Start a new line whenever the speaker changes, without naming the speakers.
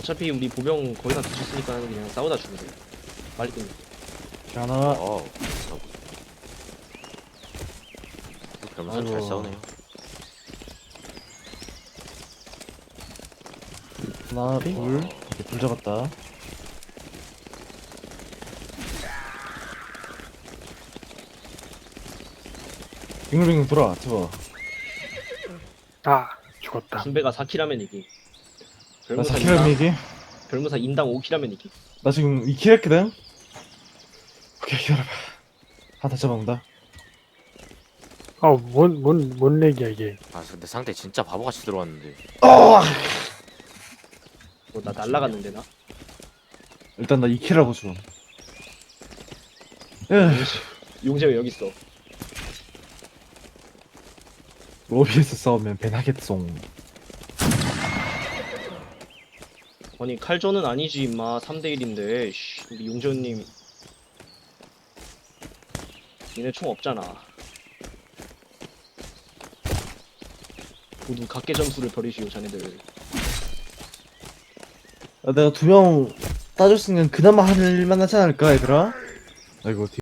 어차피 우리 보병 거의 다 뒤졌으니까 그냥 싸우다 죽으세 빨리 끝내.
하나.
별무사 잘
아이고.
싸우네요.
하나, 둘. 오케이, 둘 잡았다. 빙글빙글 돌아, 집어.
아, 죽었다.
순배가 4킬하면 이기.
나 4킬 하면 이기?
별무사 인당 5킬하면 이기.
나 지금 2킬 했거든? 오케이, 기다려봐. 하나 다 잡아온다.
뭔 렉이야, 이게.
아 근데 상대 진짜 바보같이 들어왔는데.
나 날라갔는데 나.
일단 나 2킬 하고 줘. 에,
용재 왜 여기 있어?
로비에서 싸우면 배나겠송.
아니 칼전은 아니지 임마. 3대1인데 우리 용재님 니네 총 없잖아. 모두 각계 점수를 버리시오 자네들.
내가 2명 따줬으면 그나마 할만하지 않을까, 얘들아? 아이고,